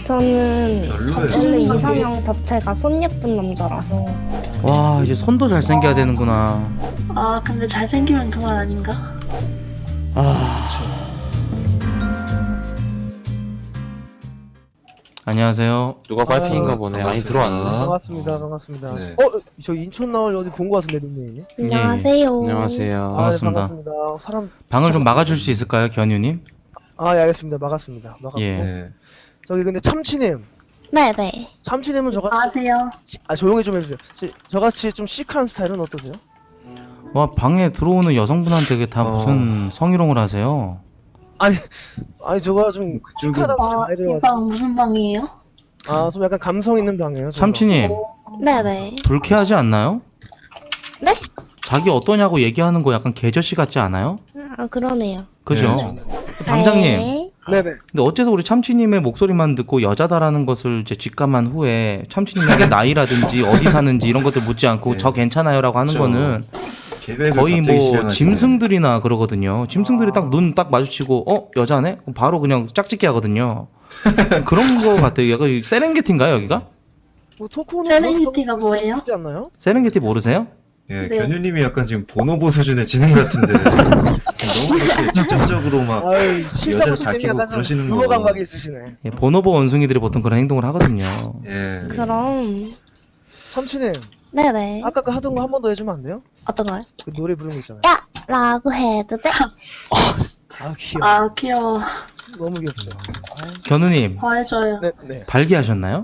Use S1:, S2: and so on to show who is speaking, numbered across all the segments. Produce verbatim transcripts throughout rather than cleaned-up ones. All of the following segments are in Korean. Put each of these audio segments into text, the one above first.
S1: 저는
S2: 별로예요.
S1: 원래 이상형 자체가 손 예쁜 남자라서.
S3: 와 이제 손도 잘생겨야 되는구나.
S4: 아 근데 잘생기면 그만 아닌가?
S3: 아 안녕하세요.
S5: 누가 빨핑인가
S6: 아,
S5: 보네.
S2: 반갑습니다.
S5: 아니 들어왔네.
S6: 반갑습니다. 반갑습니다.
S2: 네.
S6: 어, 저 인천 나올 어디 본 거 같은데 닉네임이?
S1: 안녕하세요.
S5: 안녕하세요.
S6: 아, 네,
S3: 반갑습니다.
S6: 반갑습니다. 사람
S3: 방을 좀 막아줄 수 있을까요, 견유님?
S6: 아, 예, 알겠습니다. 막았습니다. 막았고.
S3: 예.
S2: 네.
S6: 저기 근데 참치님,
S1: 네네.
S6: 참치님은 저같이
S4: 아세요?
S6: 아 조용히 좀 해주세요. 지- 저같이 좀 시크한 스타일은 어떠세요?
S3: 와 방에 들어오는 여성분한테 다
S2: 어.
S3: 무슨 성희롱을 하세요?
S6: 아니, 아니 저가 좀
S2: 그쪽은
S6: 시크하다고 좀
S4: 아,
S6: 많이
S4: 이
S6: 들어가지고.
S4: 방 무슨 방이에요?
S6: 아, 좀 약간 감성 있는 방이에요. 저가.
S3: 참치님
S1: 네네.
S3: 불쾌하지 않나요?
S1: 네?
S3: 자기 어떠냐고 얘기하는 거 약간 개저씨 같지 않아요?
S1: 아 그러네요.
S3: 그죠?
S2: 네.
S3: 방장님.
S1: 네.
S6: 네네.
S3: 근데 어째서 우리 참치님의 목소리만 듣고 여자다라는 것을 이제 직감한 후에 참치님에게 나이라든지 어디 사는지 이런 것들 묻지 않고
S2: 네.
S3: 저 괜찮아요라고 하는
S2: 그렇죠.
S3: 거는
S2: 계획을
S3: 거의
S2: 갑자기
S3: 뭐
S2: 실행하시네.
S3: 짐승들이나 그러거든요. 짐승들이 딱 눈 딱 마주치고 어 여자네? 그럼 바로 그냥 짝짓기 하거든요. 그런 거 같아요. 약간 세렝게티인가요 여기가?
S6: 뭐 토크는
S4: 세렝게티가 뭐예요?
S6: 쉽지 않나요?
S3: 세렝게티 모르세요?
S2: 예,
S4: 네.
S2: 견유님이 약간 지금 보노보 수준의 지능 같은데 너무 이렇게 직접적으로 막
S6: 아유, 실사고
S2: 여자를
S6: 시스템이
S2: 아끼고
S6: 약간 좀
S2: 그러시는
S6: 유머
S2: 거.
S6: 감각이 있으시네.
S3: 예, 보노보 원숭이들이 보통 그런 행동을 하거든요.
S2: 예.
S1: 그럼
S6: 참치님,
S1: 네네.
S6: 아까 그 하던 거 한 번 더 해주면 안 돼요?
S1: 어떤 거요?
S6: 그 노래 부르는 거 있잖아요.
S1: 야! 라고 해도 돼?
S6: 아, 귀여워.
S4: 아 귀여워.
S6: 너무 귀엽죠.
S3: 견우님
S4: 더 해줘요.
S6: 네, 네.
S3: 발기하셨나요?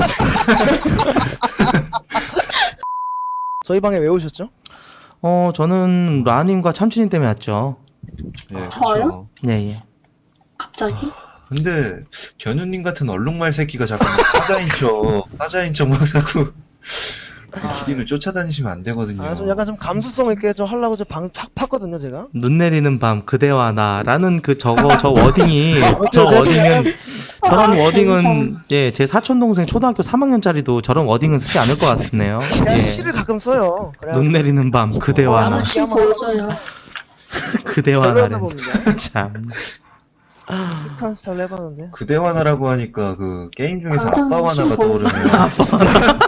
S6: 저희 방에 왜 오셨죠?
S3: 어 저는 라님과 참치님 때문에 왔죠.
S2: 예,
S4: 저요?
S2: 그렇죠.
S3: 예 예.
S4: 갑자기?
S2: 근데 견유님 같은 얼룩말 새끼가 자꾸 막 사자인 척, 사자인 척 막 자꾸 기린을 쫓아다니시면 안 되거든요.
S6: 아, 좀 약간 좀 감수성 있게 좀 하려고 저 방 팍 팠거든요, 제가.
S3: 눈 내리는 밤 그대와 나라는 그 저거 저 워딩이 저
S6: 어쩌죠?
S3: 워딩은 저런
S4: 아,
S3: 워딩은
S4: 감성.
S3: 예 제 사촌 동생 초등학교 삼 학년짜리도 저런 워딩은 쓰지 않을 것 같네요.
S6: 제가
S3: 예.
S6: 시를 가끔 써요. 그래.
S3: 눈 내리는 밤 그대와 나
S4: 한번 시 보여줘요.
S3: 그대와
S6: 별로였나
S3: 나는
S6: 봅니다.
S3: 참
S6: 시크한 스타일로 해봤는데.
S2: 그대와나라고 하니까 그 게임 중에서
S4: 방장님
S2: 아빠와나가
S4: 시
S2: 떠오르네요.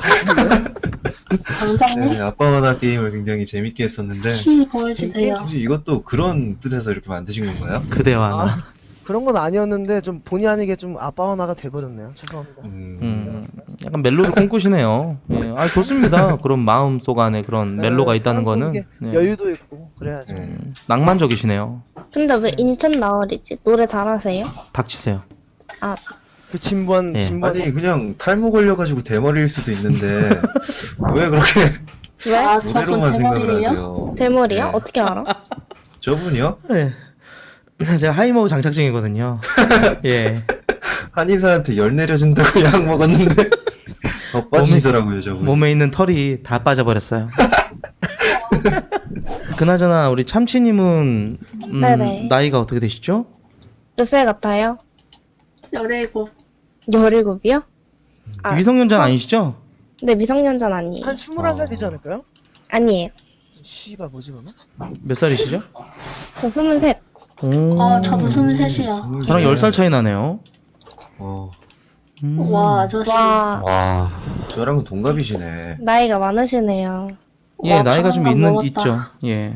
S4: 방장님
S2: 네, 아빠와나 게임을 굉장히 재밌게 했었는데
S4: 시 보여주세요.
S2: 혹시 이것도 그런 뜻에서 이렇게 만드신 건가요?
S3: 그대와 나.
S6: 아, 그런 건 아니었는데 좀 본의 아니게 좀 아빠와 나가 돼버렸네요. 죄송합니다.
S2: 음,
S3: 음, 약간 멜로를 꿈꾸시네요. 예, 아 좋습니다. 그런 마음 속 안에 그런 멜로가
S6: 네,
S3: 있다는
S6: 사람
S3: 거는
S6: 속에
S3: 네,
S6: 여유도 있고 그래야죠.
S2: 네.
S3: 낭만적이시네요.
S1: 근데 왜 인천 나얼이지? 노래 잘하세요?
S3: 닥치세요.
S1: 아
S6: 그 진부한
S3: 예.
S6: 진부한
S2: 아니 그냥 탈모 걸려가지고 대머리일 수도 있는데 왜 그렇게
S1: 왜?
S4: 아 저분
S2: 노래로만 생각을
S4: 대머리예요?
S2: 하세요?
S1: 대머리요?
S2: 네.
S1: 어떻게 알아?
S2: 저분이요?
S3: 네. 제가 하이모우 장착증이거든요. 예.
S2: 한의사한테 열 내려준다고 약 먹었는데 더 빠지더라고요 저분.
S3: 몸에 있는 털이 다 빠져버렸어요. 그나저나 우리 참치님은 음,
S1: 네네.
S3: 나이가 어떻게 되시죠?
S1: 몇 살 같아요?
S4: 열일곱.
S1: 열일곱이요? 아,
S3: 미성년자 아니시죠?
S1: 네 미성년자는 아니에요.
S6: 한 스물한 살 되지 않을까요?
S1: 아니에요.
S6: 씨발 뭐지 그러면?
S3: 몇 살이시죠?
S1: 저 스물셋.
S3: 오,
S4: 어 저도 스물셋이요.
S3: 저랑 열 살 차이 나네요.
S2: 어,
S3: 음.
S4: 와 아저씨.
S1: 와
S5: 와.
S2: 저랑은 동갑이시네.
S1: 나이가 많으시네요.
S3: 예,
S4: 와,
S3: 나이가 좀
S4: 가만감
S3: 있는
S4: 먹었다.
S3: 있죠. 예.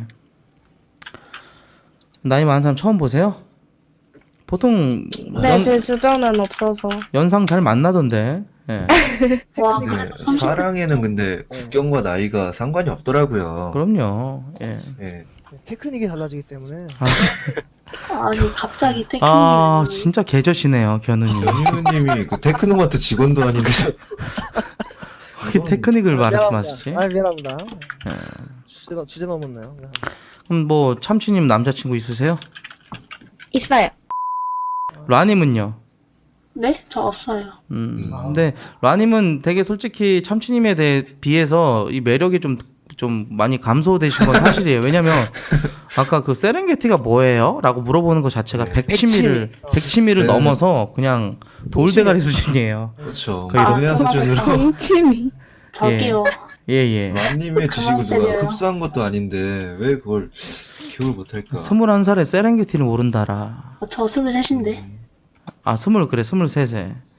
S3: 나이 많은 사람 처음 보세요? 보통
S1: 네,
S3: 연,
S1: 제 주변은 없어서.
S3: 연상 잘 만나던데. 예.
S4: 와
S2: 네,
S4: 그래도 삼십.
S2: 사랑에는 근데 국경과 나이가 상관이 없더라고요.
S3: 그럼요. 예.
S2: 예.
S6: 테크닉이 달라지기 때문에
S4: 아니 갑자기 테크닉이.
S3: 아,
S4: 왜
S3: 진짜 개저시네요, 견우님.
S2: 연유님이 그 테크노마트 직원도 아닌데 저-
S3: 그렇게 테크닉을 말씀하시지?
S6: 아 미안합니다.
S3: 예.
S6: 주제 넘- 주제 넘었나요? 미안합니다.
S3: 그럼 뭐 참치님 남자친구 있으세요?
S1: 있어요.
S3: 라님은요?
S4: 네? 저 없어요.
S3: 음.
S6: 아.
S3: 근데 라님은 되게 솔직히 참치님에 대해 비해서 이 매력이 좀 좀 많이 감소되신 건 사실이에요. 왜냐면 아까 그 세렝게티가 뭐예요? 라고 물어보는 것 자체가
S2: 네.
S3: 백치미를
S6: 백치미. 어.
S3: 백치미를
S2: 네.
S3: 넘어서 그냥 돌대가리 수준이에요.
S2: 그렇죠.
S3: 거의
S2: 동해안
S4: 아,
S2: 수준으로
S1: 동치미.
S4: 저기요.
S3: 예예.
S2: 람님의 지식을 누가
S4: 그만하세요.
S2: 흡수한 것도 아닌데 왜 그걸 기억을 못할까?
S3: 스물한 살에 세렝게티를 모른다라.
S4: 저 스물셋인데.
S3: 아 스물 그래 스물셋에.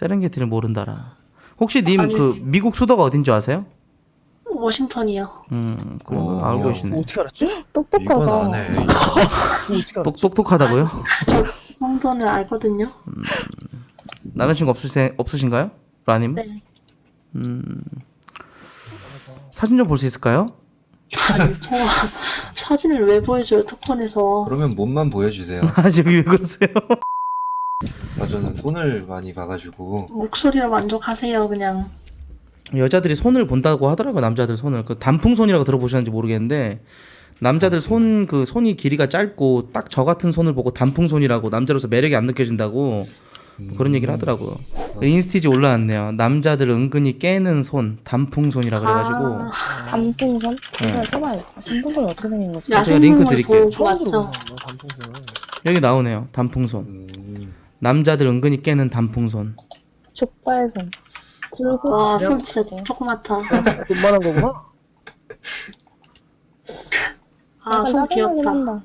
S3: 세렝게티를 모른다라. 혹시 님
S4: 아니,
S3: 그 미국 수도가 어딘 줄 아세요?
S4: 워싱턴이요.
S3: 음, 그럼
S2: 어,
S3: 알고
S2: 야,
S3: 계시네.
S6: 어떻게 알았지?
S2: 이건
S1: 똑똑하다.
S2: 안 해.
S6: 그거 어떻게 알았지?
S3: 똑 똑똑하다고요?
S4: 그 정도는 알거든요.
S3: 남자친구 없으세 없으신가요? 라님?
S4: 네.
S3: 음. 사진 좀 볼 수 있을까요?
S4: 아니, 제가 사진을 왜 보여줘요, 특권에서.
S2: 그러면 몸만 보여주세요.
S3: 아, 지금 왜 그러세요?
S2: 아, 저는 손을 많이 봐가지고.
S4: 목소리로 만족하세요, 그냥.
S3: 여자들이 손을 본다고 하더라고요. 남자들 손을. 그 단풍손이라고 들어보셨는지 모르겠는데 남자들 손 그 손이 길이가 짧고 딱 저 같은 손을 보고 단풍손이라고 남자로서 매력이 안 느껴진다고 뭐 그런 얘기를 하더라고요. 인스티지 올라왔네요. 남자들 은근히 깨는 손 단풍손이라 그래가지고
S4: 아,
S1: 단풍선?
S3: 네.
S1: 이거 써봐요. 단풍선 어떻게 생긴 거지?
S3: 제가 링크
S4: 야생동물
S3: 드릴게요.
S4: 보고
S6: 처음
S4: 맞죠?
S6: 들어보는 단풍선은.
S3: 여기 나오네요. 단풍손.
S2: 음,
S3: 남자들 은근히 깨는 단풍손.
S1: 족발선. 그리고
S4: 와,
S1: 그냥
S4: 손 진짜 조그맣다.
S6: 돈만한 거구나.
S4: 아, 손
S1: 약간 짜증나긴
S4: 귀엽다.
S1: 한다.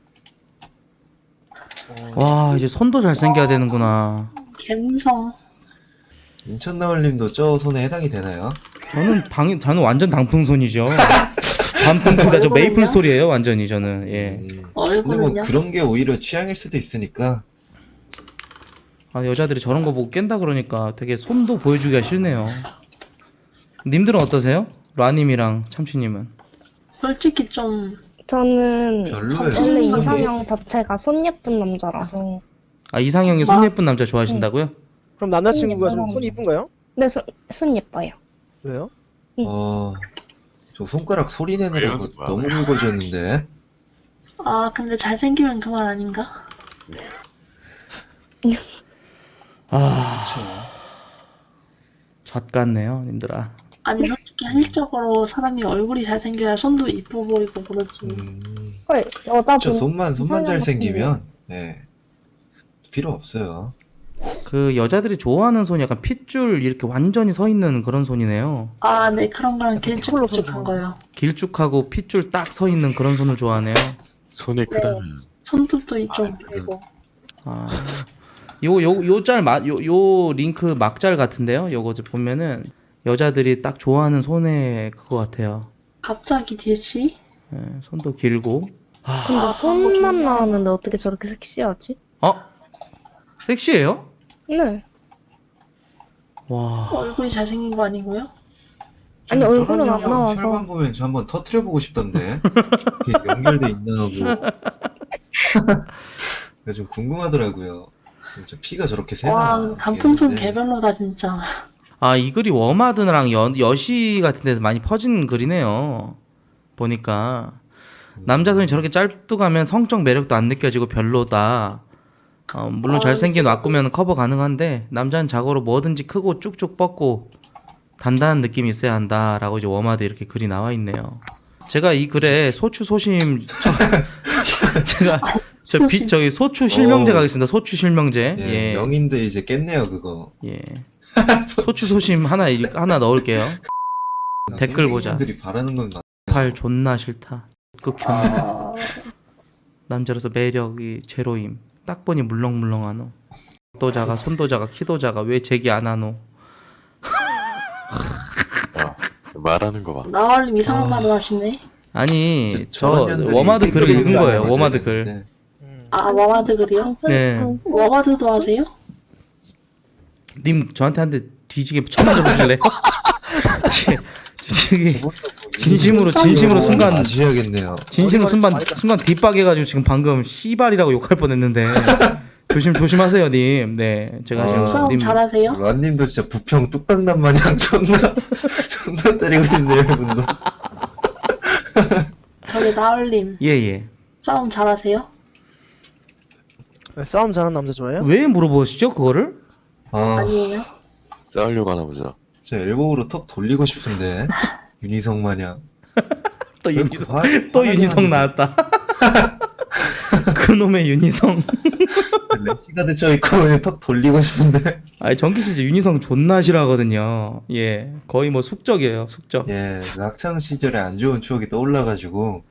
S3: 와 이제 손도 잘생겨야 되는구나.
S4: 갬성.
S2: 인천 나올님도 저 손에 해당이 되나요?
S3: 저는 당 저는 완전 단풍손이죠. 단풍보다 저 메이플 스토리예요 완전히 저는. 예.
S2: 음, 근데
S4: 얼굴은요?
S2: 뭐 그런 게 오히려 취향일 수도 있으니까.
S3: 아, 여자들이 저런 거 보고 깬다 그러니까 되게 손도 보여주기가 싫네요. 님들은 어떠세요? 라님이랑 참치님은?
S4: 솔직히 좀
S1: 저는
S2: 별로예요.
S1: 원래
S4: 음.
S1: 이상형 자체가 손 예쁜 남자라서.
S3: 아 이상형이 손 예쁜 남자 좋아하신다고요?
S6: 그럼 남자친구가 좀 손이 이쁜가요?
S1: 네, 손, 손 예뻐요.
S6: 왜요?
S1: 응.
S2: 어, 저 손가락 소리 내느라고
S5: 왜요?
S2: 너무 굵어졌는데.
S4: 아, 근데 잘생기면 그만 아닌가?
S3: 아,
S2: 그쵸.
S3: 젖 같네요, 님들아.
S4: 아니, 솔직히 현실적으로 사람이 얼굴이 잘생겨야 손도 이뻐 보이고 그러지.
S2: 음,
S1: 헐, 여자
S2: 저
S1: 분
S2: 손만, 손만
S1: 이상형
S2: 잘생기면, 네. 필요 없어요.
S3: 그 여자들이 좋아하는 손이 약간 핏줄 이렇게 완전히 서 있는 그런 손이네요.
S4: 아, 네, 그런 거랑
S6: 피클로
S4: 길쭉길쭉한
S6: 손
S4: 거요.
S3: 길쭉하고 핏줄 딱 서 있는 그런 손을 좋아하네요.
S5: 손이 크다면
S4: 손톱도 좀
S5: 아,
S4: 그리고.
S3: 아, 요 요 요 짤 요 요 링크 막짤 같은데요. 요거 좀 보면은 여자들이 딱 좋아하는 손의 그거 같아요.
S4: 갑자기 뒤치?
S3: 예, 손도 길고.
S1: 근데
S4: 아,
S1: 손만
S4: 진짜.
S1: 나왔는데 어떻게 저렇게 섹시하지?
S3: 어? 섹시해요?
S1: 네.
S3: 와.
S4: 얼굴이 잘생긴 거 아니고요?
S1: 아니, 얼굴은 안
S2: 혈관
S1: 나와서.
S2: 보면 저 한번 터트려보고 싶던데. 이게 연결돼 있나 하고. 그래서 좀 궁금하더라고요. 진짜 피가 저렇게 새나.
S4: 와, 단풍손
S2: 이게
S4: 개별로다, 진짜.
S3: 아, 이 글이 워마드랑 여, 여시 같은 데서 많이 퍼진 글이네요. 보니까 남자 손이 저렇게 짧도 가면 성적 매력도 안 느껴지고 별로다. 어, 물론
S4: 아,
S3: 잘생긴
S4: 진짜.
S3: 왁구면 커버 가능한데 남자는 자고로 뭐든지 크고 쭉쭉 뻗고 단단한 느낌이 있어야 한다라고 이제 워마드 이렇게 글이 나와 있네요. 제가 이 글에 소추 소심 저, 제가 저 비,
S4: 소심.
S3: 저기 소추 실명제
S2: 어.
S3: 가겠습니다. 소추 실명제.
S2: 예,
S3: 예.
S2: 명인데 이제 깼네요, 그거.
S3: 예. 소추 소심 하나 일- 하나 넣을게요. 댓글 보자.
S2: 들이 바라는 건 맞...
S3: 팔 존나 싫다. 극혐.
S4: 아,
S3: 남자로서 매력이 제로임. 딱 보니 물렁물렁하노. 도 작아, 손도 작아, 키도 작아. 왜 제기 안 하노?
S5: 말하는 거 봐.
S4: 나얼님 이상한
S3: 아.
S4: 말을 하시네.
S3: 아니, 저
S2: 저런 년들이
S3: 워마드 글을
S2: 댓글
S3: 읽은 거예요.
S2: 맞아야
S3: 워마드 글.
S2: 되는데.
S6: 음.
S4: 아, 워마드 글이요?
S3: 네.
S4: 워마드도 하세요?
S3: 님 저한테 한 대 뒤지게 쳐맞아 보실래? 뒤지게 진심으로 진심으로
S4: 어,
S3: 순간
S2: 맞으셔야겠네요.
S3: 진심으로
S6: 어디
S3: 순간
S6: 말인지
S3: 순간 뒷박해가지고 지금 방금 씨발이라고 욕할 뻔했는데 조심 조심하세요, 님. 네, 제가
S2: 아,
S3: 지금
S4: 싸움
S3: 님
S4: 잘하세요?
S2: 란님도 진짜 부평 뚝딱남 마냥 존나 존나 때리고 있네요, 이분도.
S4: 저기 나얼님
S3: 예예.
S4: 싸움 잘하세요?
S6: 네, 싸움 잘하는 남자 좋아해요?
S3: 왜 물어보시죠 그거를?
S2: 아,
S4: 아니에요?
S5: 싸우려고 하나 보자.
S2: 진짜 엘보우로 턱 돌리고 싶은데 윤희성 마냥.
S3: 또
S2: 왜
S3: 윤희성
S2: 화-
S3: 또
S2: 화나게
S3: 윤희성
S2: 하는데.
S3: 나왔다. 그놈의 윤희성.
S2: 래시가드 쳐 있고 그냥 턱 돌리고 싶은데.
S3: 아니 정기 씨 진짜 윤희성 존나 싫어하거든요. 예, 거의 뭐 숙적이에요, 숙적.
S2: 예, 그 학창 시절에 안 좋은 추억이 떠올라가지고.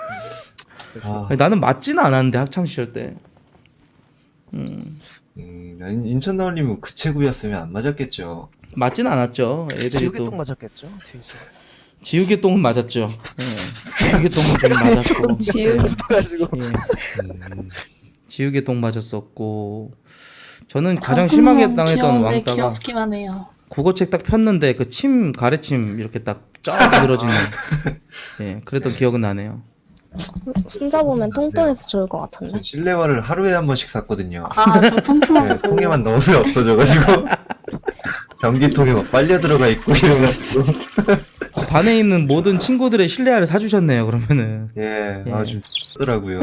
S2: 아,
S3: 아니, 나는 맞지는 않았는데 학창 시절 때.
S2: 음, 인- 인천 나올님은 그 체구였으면 안 맞았겠죠.
S3: 맞진 않았죠. 애들이
S6: 지우개
S3: 또
S6: 똥 맞았겠죠 뒤에서.
S3: 지우개 똥은 맞았죠. 예. 지우개 똥은 좀 맞았고.
S1: 지우
S6: 가지고
S3: 예.
S2: 음,
S3: 지우개 똥 맞았었고. 저는 가장
S4: 단풍
S3: 심하게
S4: 선
S3: 당했던
S4: 귀여운데
S3: 왕따가
S4: 귀엽기만 해요.
S3: 국어책 딱 폈는데 그 침 가래침 이렇게 딱쫙 늘어지는. 예, 그랬던 기억은 나네요.
S1: 손잡으면 통통해서 좋을 것 같은데.
S2: 전 실내화를 하루에 한 번씩 샀거든요.
S4: 아, 저 통통한
S2: 네,
S4: 거 보고.
S2: 통에만 넣으면 없어져가지고 변기통에 막 빨려 들어가 있고 이래가지고
S3: 반에 있는 모든 친구들의 실내화를 사주셨네요. 그러면은
S2: 예,
S3: 예.
S2: 아주 더라고요.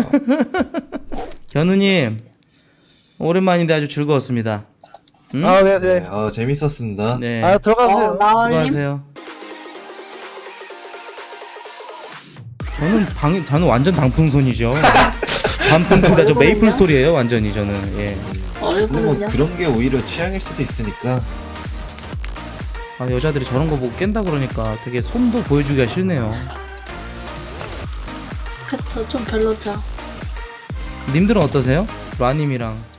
S3: 견우님 오랜만인데 아주 즐거웠습니다. 응?
S6: 아 네
S2: 네,
S6: 네.
S2: 아, 재밌었습니다.
S3: 네.
S6: 아 들어가세요.
S4: 어, 나얼님?
S3: 수고하세요. 저는 당, 저는 완전 단풍손이죠. 단풍 기사 저 메이플 스토리예요 완전히 저는. 예.
S2: 근데 뭐
S4: 얼굴은요?
S2: 그런 게 오히려 취향일 수도 있으니까
S3: 아, 여자들이 저런 거 보고 깬다 그러니까 되게 손도 보여주기가 싫네요.
S4: 그쵸, 좀 별로죠.
S3: 님들은 어떠세요? 라님이랑